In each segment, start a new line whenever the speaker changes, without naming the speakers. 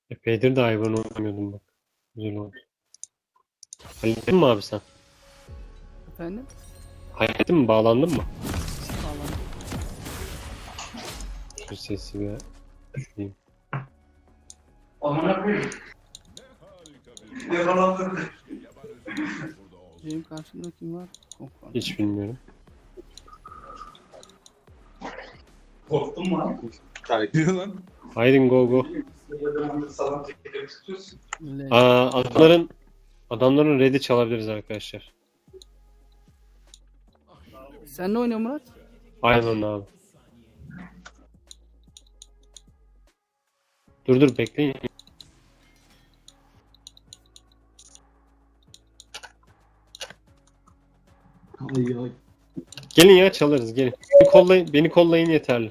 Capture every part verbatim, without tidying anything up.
Epeydir de hayvan oynamıyordum bak. Güzel oldu. Hallettin mi abi sen?
Efendim?
Hallettin mi? Bağlandın mı?
Sağlam.
Şu sesi bir düşüreyim.
Amına koyayım. Yakalandım.
Benim karşımda kim var? Konkan.
Hiç bilmiyorum.
Korktun mu lan?
Diyor lan.
Haydi go go.
Sana tekrar tutuyorsun.
Öyle.
Aa, adamların adamların red'i çalabiliriz arkadaşlar.
Sen ne oynuyorsun Murat?
Aynen abi. Dur dur bekleyin.
Ay ay.
Gelin ya çalarız gelin. Beni kollayın, beni kollayın yeterli.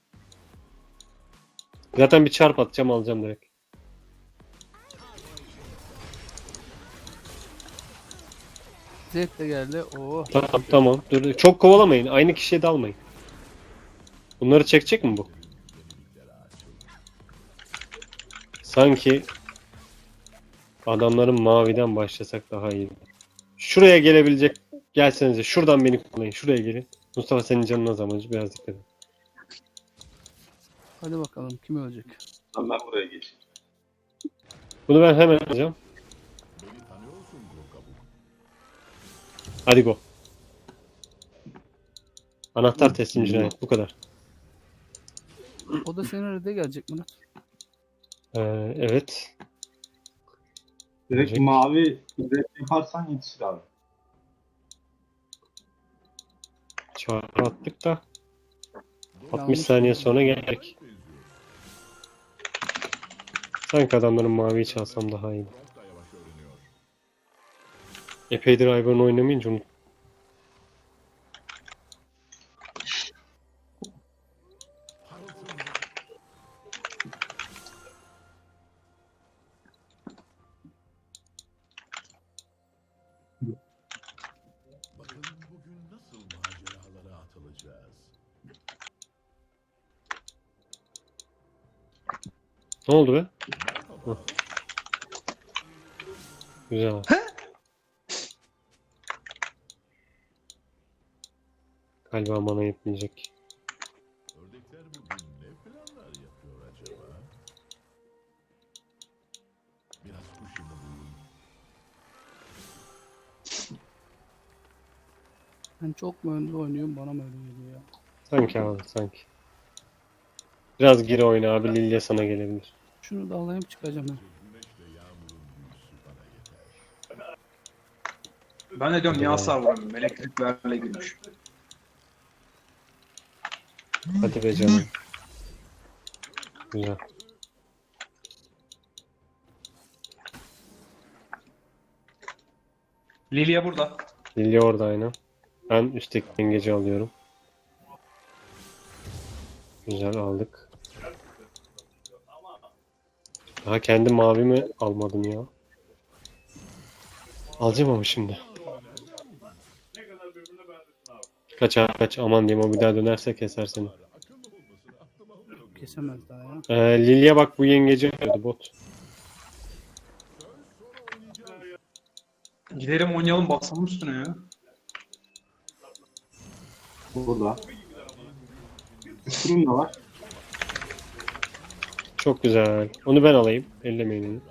Zaten bir çarp atacağım alacağım direkt.
Zed de geldi. Oo.
Tamam tamam. Dur, dur. Çok kovalamayın. Aynı kişiye dalmayın. Bunları çekecek mi bu? Sanki adamların maviden başlasak daha iyi. Şuraya gelebilecek. Gelsenize. Şuradan beni kullanın. Şuraya gelin. Mustafa senin canın az ama biraz dikkat et.
Hadi bakalım kim ölecek?
Lan ben buraya geçeyim.
Bunu ben hemen alacağım. Hadi go. Anahtar teslim cinayet. Bu kadar.
O da senin arada gelecek Murat.
Ee, evet.
Direkt
Direkt.
mavi direkt yaparsan yetişir abi.
Çağrı attık da altmış
Yanlış
saniye
oldu.
sonra gelecek. Sanki adamların maviyi çalsam daha iyi. Epeydir Ivern oynamayınca unut.
Bakın bugün nasıl maceralara atılacağız.
Ne oldu be? Hı. Güzel. Galiba mana yetmeyecek.
Ördekler bugün ne planlar yapıyor acaba? Biraz kuş yumuruyum.
Ben çok mu önde oynuyorum bana mı öyle geliyor ya?
Sanki abi sanki. Biraz geri oyna abi. Lilia sana gelebilir.
Şunu da alayım çıkacağım ben.
Güneşle yağmurun büyüsü bana yeter.
Ben de diyorum niye hasar vuramıyorum? Elektriklerle girmiş.
Hadi be canım. Güzel.
Lilia burada.
Lilia orada aynen. Ben üstteki dengeci alıyorum. Güzel aldık. Daha kendi mavimi almadım ya. Alacağım ama şimdi. Kaç abi kaç aman diyeyim o bir daha dönerse keser seni.
Kesemez daha ya.
Ee, Lilia bak bu yengeci alıyordu bot.
Gidelim oynayalım basalım üstüne ya.
Burada. Üstünüm de var.
Çok güzel. Onu ben alayım. Ellemeyin onu.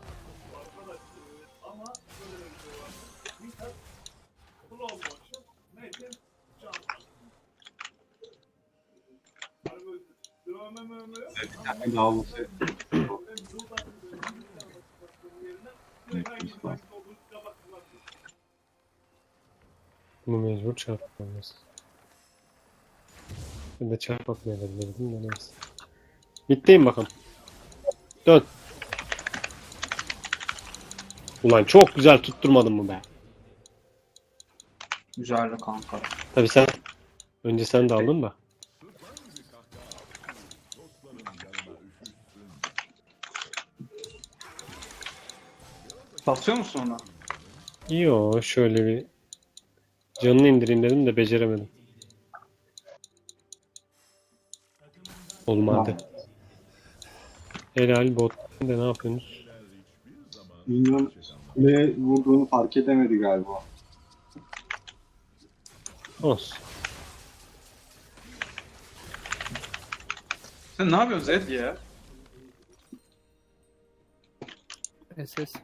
Bir tane daha olması.
Bunu mecbur çarpmamız. Ben de çarpatmayabilirdim de neyse. Bitteyim bakalım. Dön. Ulan çok güzel tutturmadın mı be?
Güzeldi kanka.
Tabii sen önce sen de aldın da.
Basıyor musun ona?
Yo şöyle bir canını indireyim dedim de beceremedim. Olmadı. Helal bot. De ne yapıyorsunuz?
Minyon kuleye vurduğunu fark edemedi galiba.
Olsun.
Sen ne yapıyorsun Zed ya?
S S.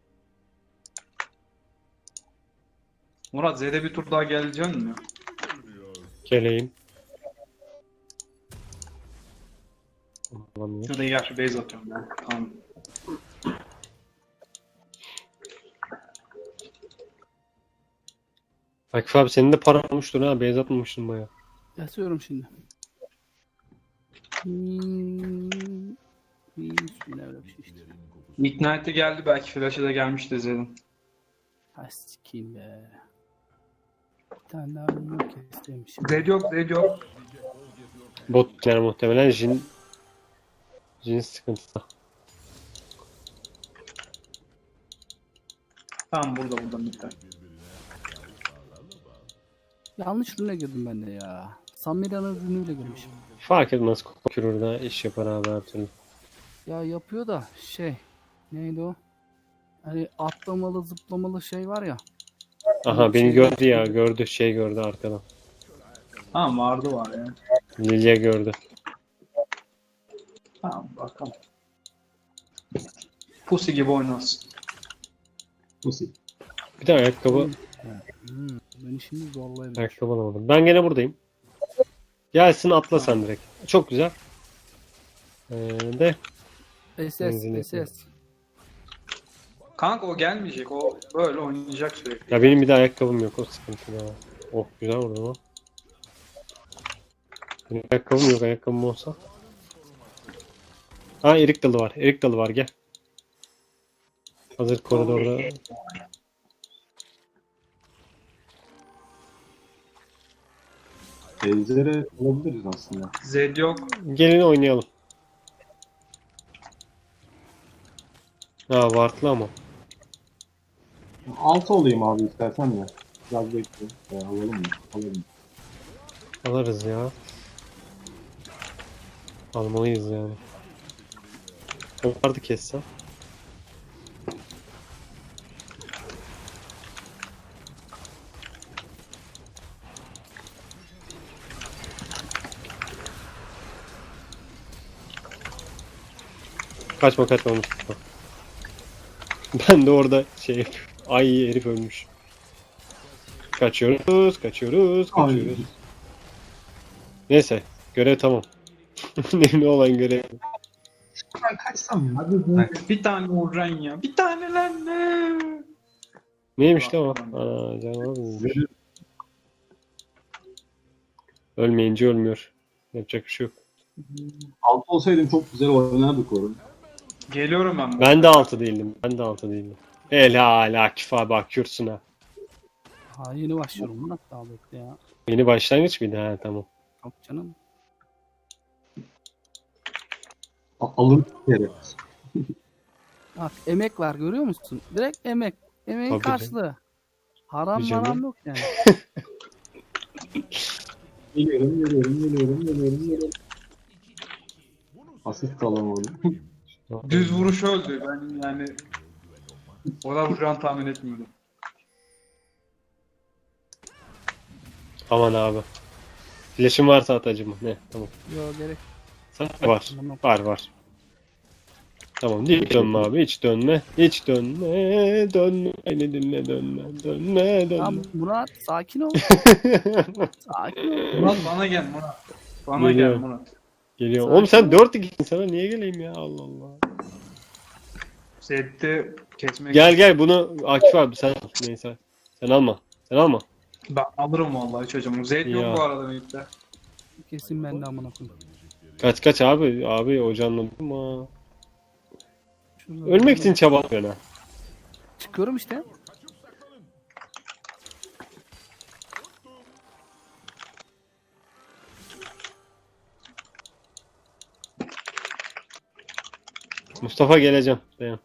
Murat Zed'e bir tur daha geleceksin mi?
Geleyim. Alamıyor.
Şurada gel şu base atıyorum ben. Tamam.
Akif abi senin de para olmuştur ha. Beyaz atmamıştın baya.
Yatıyorum şimdi. Hmm. Bismillah öyle bir şey işte.
Ignite geldi, belki flash'e de gelmişti Zed'in.
Ha sikeyim be. Bir tane daha bunu kestirmişim.
Zed yok, Zed yok.
Bot yani muhtemelen Jin Jin sıkıntıda.
Tamam burada burada bitti.
Yanlış rüne girdim ben de ya. Samira'nın rünüyle girmişim.
Fark etmez Kokürür'de iş yapar abi her türlü.
Ya yapıyor da şey. Neydi o? Hani atlamalı zıplamalı şey var ya.
Aha beni gördü ya. Gördü şey gördü arkadan.
Tamam vardı var ya.
Lilya gördü.
Tamam bakalım. Pussy gibi oynasın.
Nasıl?
Bir de ayakkabı
Hmm, beni şimdi zorlayabilir.
ayakkabı alamadım. Ben gene buradayım. Gelsin atla sen direkt. Çok güzel. Ee, de
S
Benzin
S S S.
Kanka o gelmeyecek, o böyle oynayacak sürekli.
ya benim bir de ayakkabım yok o sıkıntı ya. Oh güzel vurdu ama. Benim ayakkabım yok, ayakkabım olsa. Ha erik dalı var. Erik dalı var gel. Hazır koridorda.
Ejder'e olabiliriz aslında.
Zed yok.
Gelin oynayalım. Ha vartlı ama.
Altı olayım abi istersen ya. Biraz bekle. E, alalım mı? Alalım.
Alırız ya. Almalıyız yani. O vardı kessem. Kaçma kaçma Mustafa. Ben de orada şey yapıyorum. Ay herif ölmüş. Kaçıyoruz, kaçıyoruz,
Ay.
kaçıyoruz. Neyse, görev tamam. Önemli olan görev.
Ben kaçsam ya. Hadi.
Bir tane vuracaksın ya. Bir tane lan ne?
Neymiş lan o? Aa, canavar mıymış? Ölmeyince ölmüyor. Yapacak bir şey yok.
Altı olsaydım çok güzel oynardık orada.
Geliyorum ben.
Ben de altı değildim. Ben de altı değildim. Helal Akif abi bakıyorsun ha.
Ha yeni başlıyorum. Murat daha bekle ya.
Yeni başlangıç mıydı? Ha tamam.
Yok canım.
A- Alın bir kere.
Bak emek var görüyor musun? Direkt emek. Emeğin
Tabii
karşılığı. Haram
Tabii canım.
maram yok yani.
Geliyorum, geliyorum, geliyorum, geliyorum, geliyorum. Asist alamadım.
Düz vuruş öldü. Ben yani ona vuracağını tahmin etmiyordum.
Aman abi. Flash'ın varsa at acıma. Ne? Tamam.
Yok gerek.
Sen var. Var var. Tamam hiç dönme abi hiç dönme. Hiç dönme. Dönme. Beni dinle dönme. Dönme
Tamam
dönme.
Murat sakin ol. Sakin ol.
Murat bana gel Murat. Bana
Geliyor.
gel Murat.
Geliyor.
Sakin
Oğlum sen
ol.
dört ikisin sana niye geleyim ya Allah Allah.
Zed'de kesmek.
Gel gel bunu Akif abi sen al. Neyse. Sen alma. Sen alma.
Ben alırım vallahi çocuğum. Zed
Ya.
yok bu arada birlikte.
Kesin ben de amına koyayım.
Kaç kaç abi. Abi hocanladım ha.
Şurada-
Ölmek için çabalıyorsun ha.
Çıkıyorum işte.
Mustafa geleceğim. Dayan.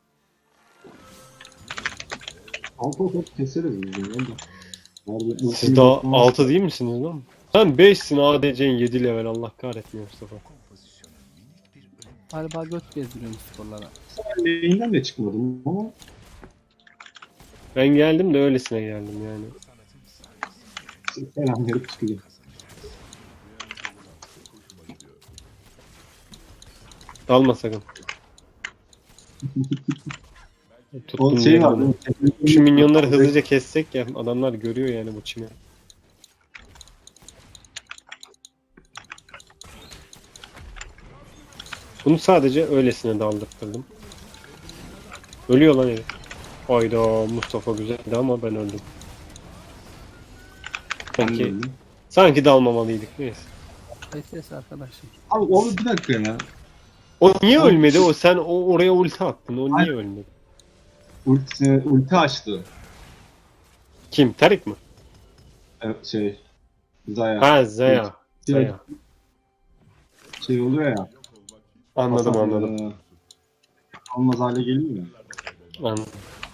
Altı olsa keseriz biz bunu. Nerede?
Siz daha altı değil misiniz lan? Sen beşsin A D C'nin yedi level Allah kahretmiyor Mustafa.
Galiba göt gezdiriyorum sporlara.
Lane'den de çıkmadım ama
Ben geldim de öylesine geldim yani.
selam verip çıkacağım.
Dalma sakın.
O
Tuttum
şey
yeri
var.
bunu.
değil mi?
Şu minyonları hızlıca kessek ya adamlar görüyor yani bu çimi. Bunu sadece öylesine daldırttırdım. Ölüyor lan herif. Hayda Mustafa güzeldi ama ben öldüm. Sanki, sanki dalmamalıydık neyse.
S S arkadaşım.
Abi o bir dakika ya.
O niye ölmedi? O sen o oraya ulti attın. O niye ölmedi?
Ulti, ulti açtı.
Kim? Tarik mi?
Evet, şey. Zaya.
Ha Zaya.
Şey,
Zaya.
şey oluyor ya.
Anladım
Hasan,
anladım.
e, Almaz hale geliyor ya.
Anladım.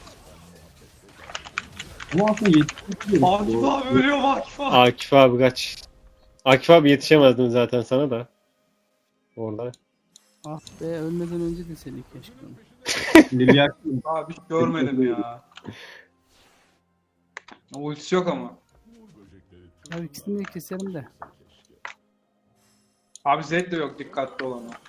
Ama aslında yetiştiriyor.
Akif abi ölüyor Akif abi.
Akif abi kaç. Akif abi yetişemezdim zaten sana da. Orada.
Ah be ölmeden önce de seni keşke.
Lilyar
Abi hiç görmedim ya. Ultisi yok ama.
Abi ikisini de keserim de.
Abi Zed de yok dikkatli ol ama.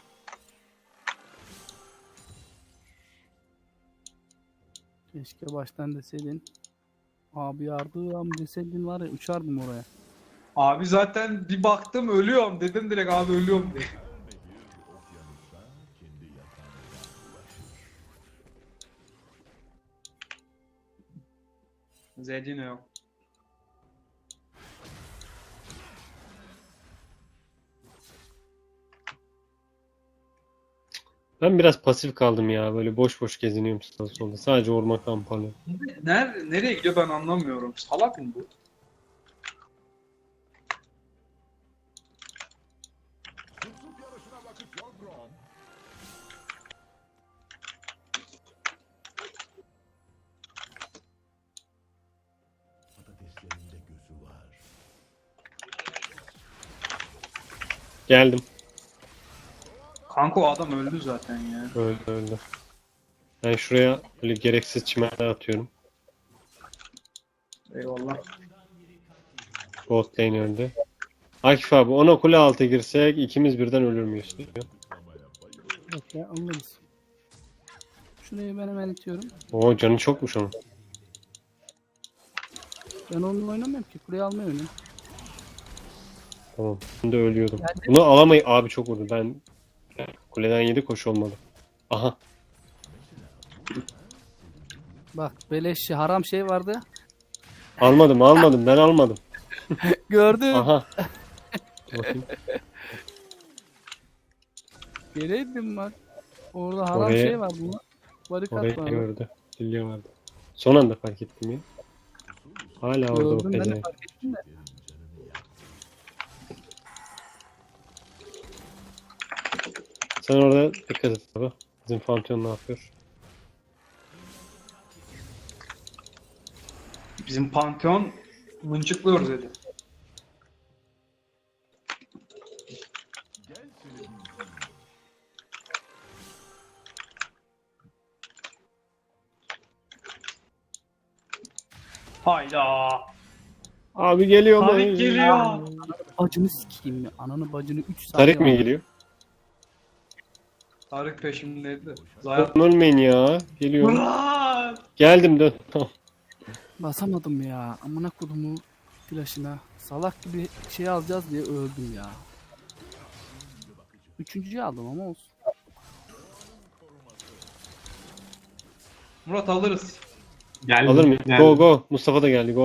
Keşke baştan deseydin. Abi yardım deseydin var ya uçardım oraya.
Abi zaten bir baktım ölüyorum dedim direkt abi ölüyorum diye. Zed yine yok.
Ben biraz pasif kaldım ya. Böyle boş boş geziniyorum sağa solda. Sadece orman kampanya.
Nerede, nereye gidiyor ben anlamıyorum. Salak mı bu?
Patateslerinde gözü var.
Geldim.
Kanka o adam öldü zaten ya.
Öldü öldü. Ben şuraya böyle gereksiz çimenler atıyorum.
Eyvallah.
Bot lane öldü. Akif abi ona kule altı girsek ikimiz birden ölür müyüz?
Yok ya alırız. Şurayı ben hemen itiyorum.
Oo canı çokmuş onun.
Ben onunla oynamıyorum ki. Kuleyi almayı oynuyorum.
Tamam. Ben de ölüyordum.
Geldi.
Bunu alamayı abi çok vurdu. Ben kuleden yedi koş olmadı. Aha.
Bak beleşçi haram şey vardı.
Almadım almadım ben almadım.
Gördüm.
Aha. Bakayım.
Geleydim bak. Orada haram
Oraya-
şey var bu. Barikat
Orayı
var.
gördü. Dilya vardı. Son anda fark ettim ya. Hala orada o
Gördüm ben de
pezevenk.
fark ettim de.
Sen orada dikkat et abi. Bizim Pantheon ne yapıyor?
Bizim Pantheon mıncıklıyoruz dedi. Hayda.
Abi geliyor mu?
Tarık geliyor.
Bacını sikeyim ya. Ananı bacını üç saat.
Tarık mı geliyor?
Tarık peşimdeydi. Zayat.
Oğlum ölmeyin ya. Geliyor.
Murat!
Geldim dön. Tamam.
Basamadım ya. Amına kodumu flaşına. Salak gibi şey alacağız diye öldüm ya. Üçüncüyü aldım ama olsun.
Murat alırız.
geldi.
Alır mıyım?
geldi.
Go go. Mustafa da geldi go.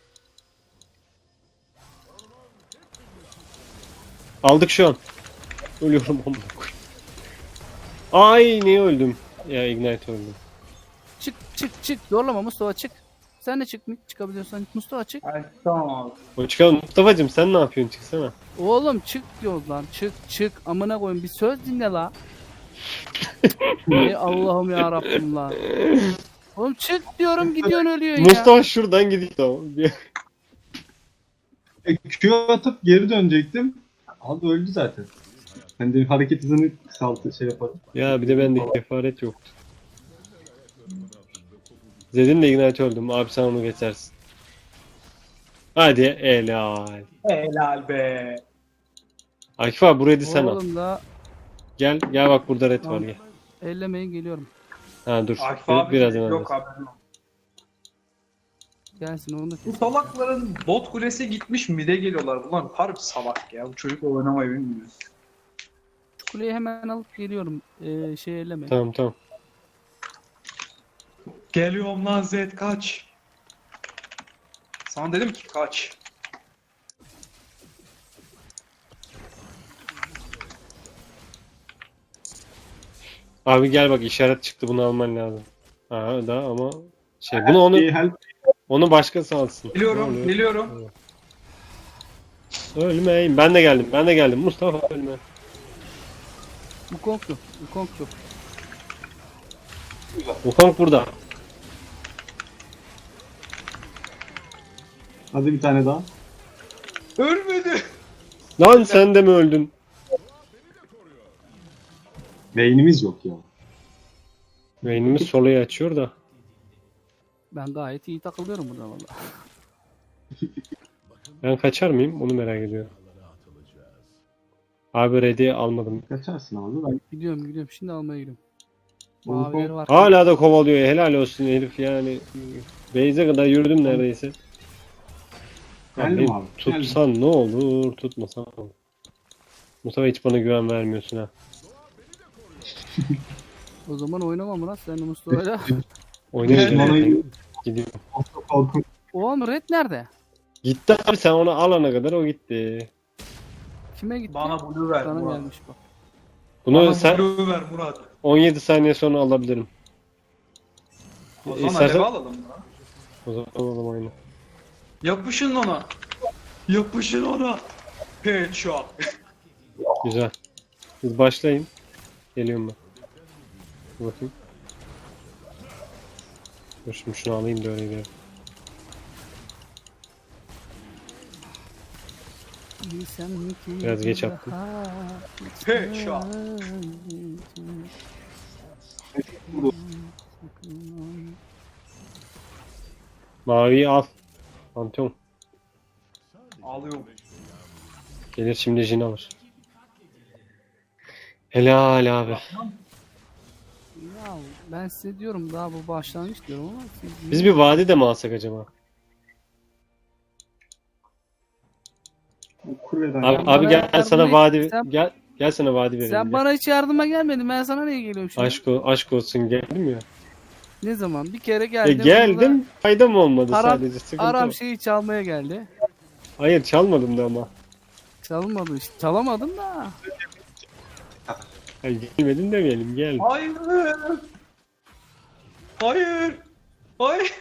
Aldık şu an. Ölüyorum amına koyayım. Ay niye öldüm? Ya Ignite öldüm.
Çık çık çık. Zorlama Mustafa çık. Sen de çık mı? Çıkabiliyorsan Mustafa çık.
Ay, tamam abi.
O çıkalım. Mustafa'cım sen ne yapıyorsun? Çıksana.
Oğlum çık diyoruz lan. Çık çık. Amına koyun bir söz dinle la. Ey Allah'ım ya Rabbim la. Oğlum çık diyorum gidiyorsun ölüyor ya.
Mustafa şuradan gidiyor. Tamam.
E, Q atıp geri dönecektim. Abi öldü zaten. Ben de hareket hızını kısaltı şey yaparım.
Ya bir de bende kefaret yoktu. Zed'in de ignite öldüm. Abi sen onu geçersin. Hadi helal.
Helal be.
Akif abi burayı sen al.
Oğlum da
Gel gel bak burada red var
Tamam.
gel.
ellemeyin geliyorum.
Ha dur.
Akif
Bir-
abi
Birazdan
yok
alırız.
haberin yok.
Gelsin onu da
Bu
kesin.
salakların bot kulesi gitmiş mide geliyorlar. Bunlar harbi salak ya. Bu çocuk oynamayı bilmiyor.
Kuleyi hemen alıp geliyorum. Ee, şey ellemeyin.
Tamam tamam.
Geliyorum lan Zed kaç. Sana dedim ki kaç.
Abi gel bak işaret çıktı bunu alman lazım. Ha da ama şey bunu onu
İyi help.
onu başkası alsın. Ne
Geliyorum,
oluyor?
geliyorum.
Ölmeyin. Ben de geldim. Ben de geldim. Mustafa ölme.
Wukong yok. Wukong yok.
Wukong burada.
Hadi bir tane daha.
Ölmedi.
Lan sen de mi öldün?
Beynimiz yok ya.
Beynimiz solayı açıyor da.
Ben gayet iyi takılıyorum burada valla.
Ben kaçar mıyım? Onu merak ediyorum. Abi ready almadım.
Kaçarsın abi. Ben
Gidiyorum gidiyorum. Şimdi almaya gidiyorum.
Wukong-
Mavileri var.
Hala da kovalıyor. Helal olsun herif yani. Beyze kadar yürüdüm neredeyse.
geldim
Abi,
abi. Geldim.
tutsan ne olur, tutmasan ne olur. Mustafa hiç bana güven vermiyorsun ha.
O zaman oynamam lan sen de Mustafa'yla.
Oynayacağım.
Bana-
Gidiyor.
Çok korkunç.
Oğlum Red nerede?
Gitti abi sen onu alana kadar o gitti.
Kime gitti?
Bana blue ver
Sana
Murat.
gelmiş bak.
Bunu
Bana
sen
blue ver Murat.
on yedi saniye sonra alabilirim.
O zaman
İstersen-
alev alalım ya.
O zaman alalım oyunu.
Yapışın ona. Yapışın ona. Headshot.
Güzel. Siz başlayın. Geliyorum ben. Dur bakayım. Dur şimdi şunu alayım da öyle gidelim.
Biraz
geç attım.
Headshot.
Maviyi al. Pantheon.
Alıyorum.
Gelir şimdi Jin alır. Helal abi.
Ya ben size diyorum daha bu başlangıç diyorum ama siz
Biz bir vadi de mi alsak acaba?
Kuleden.
Abi,
bana
abi gel
yardım
sana
et.
vadi
Sen-
gel gel sana vadi verelim.
sen
gel.
bana hiç yardıma gelmedin. Ben sana niye geliyorum şimdi?
Aşk, o- aşk olsun geldim ya.
Ne zaman? Bir kere
E,
geldim.
geldim faydam olmadı
Aram-
sadece sıkıntı.
Aram
o.
şeyi çalmaya geldi.
Hayır çalmadım da ama.
Çalmadı işte. Çalamadım da.
Hayır, gelmedin demeyelim gel.
Hayır. Hayır. Hayır.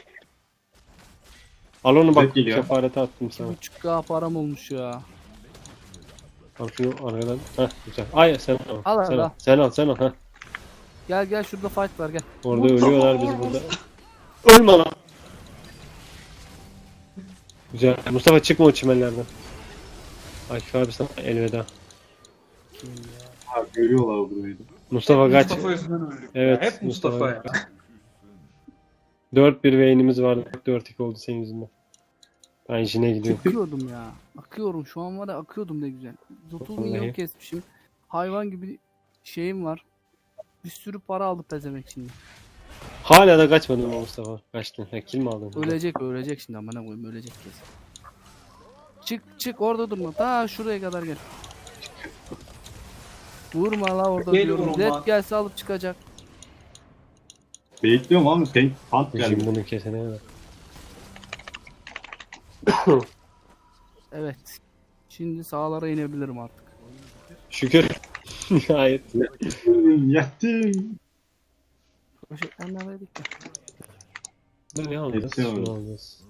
Al onu bak
Geliyor.
kefarete attım
iki
sana.
buçuk K param olmuş ya.
Al şunu aradan. Heh güzel. Ay sen al.
Al
sen
abi,
al.
al.
Sen al sen al. Heh.
Gel gel şurada fight var gel.
Orada ölüyorlar biz burada. Ölme lan. Güzel. Mustafa çıkma o çimenlerden. Akif abi sana elveda.
Abi görüyorlar burayı da.
Mustafa kaç.
Mustafa yüzünden öldük.
Evet,
Ya. Hep Mustafa,
Mustafa.
ya.
dört bir beynimiz vardı. dört iki oldu senin yüzünden. Ben Jin'e gidiyorum.
Akıyordum ya. Akıyorum. Şu an var ya akıyordum ne güzel. otuz
Vallahi.
milyon kesmişim. Hayvan gibi şeyim var. Bir sürü para aldı pezemek şimdi.
Hala da kaçmadın mı Mustafa? Kaçtın. Ha, kill mi aldın?
Ölecek ölecek şimdi amına koyayım ölecek kesin. Çık çık orada durma. Ta şuraya kadar gel. Vurma la orada
Geliyorum
diyorum.
lan.
Zed gelse alıp çıkacak.
Bekliyorum abi. Tank, tank
Jin
geldi.
bunu kesene kadar.
Evet. Şimdi sağlara inebilirim artık.
Şükür. Nihayet.
Yattım.
Poşetler neredeydik ya?
Ne alacağız?
Hepsi
Şunu
aldım.
alacağız.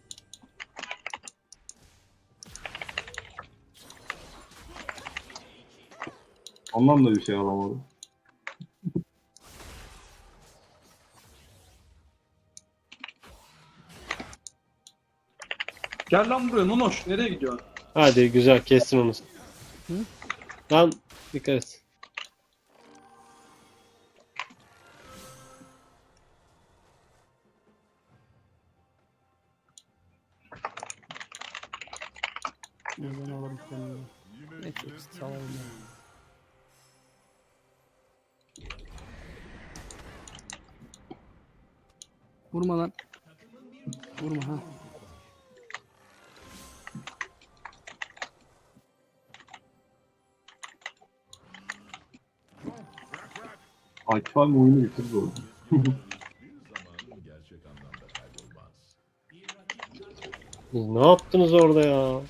Ondan da bir şey alamadım.
Gel lan buraya Nonoş. Nereye gidiyorsun?
Hadi güzel kestin onu.
Hı?
Lan Dikkat et.
Buradan alırım kendimi. Ne çok salarım ya. Vurma lan. Vurma ha.
Akif abi oyunu bitirdi orada.
Bir zaman gerçek anlamda kaybolmaz.
Siz ne yaptınız orada ya?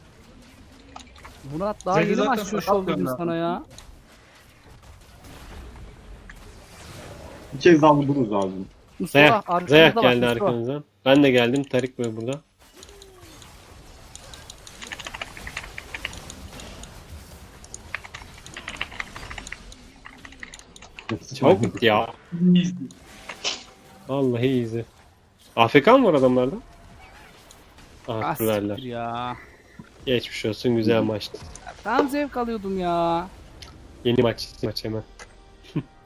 Murat daha
Zeki
yeni
zaten
maç şu
sakat
şov dedim
gönder.
sana ya.
Bir kez daha vururuz abi.
Mustafa
Zayak,
arkamızda
Zayak
bak,
geldi
Mustafa.
arkanızdan. Ben de geldim. Tarik Bey burada. Çabuk git ya.
İyiyiz.
Vallahi iyiyiz. A F K mı var adamlarda?
Ah,
Ah kurverler.
siktir ya.
Geçmiş olsun, güzel maçtı.
Tam zevk alıyordum ya.
Yeni maç, maç hemen.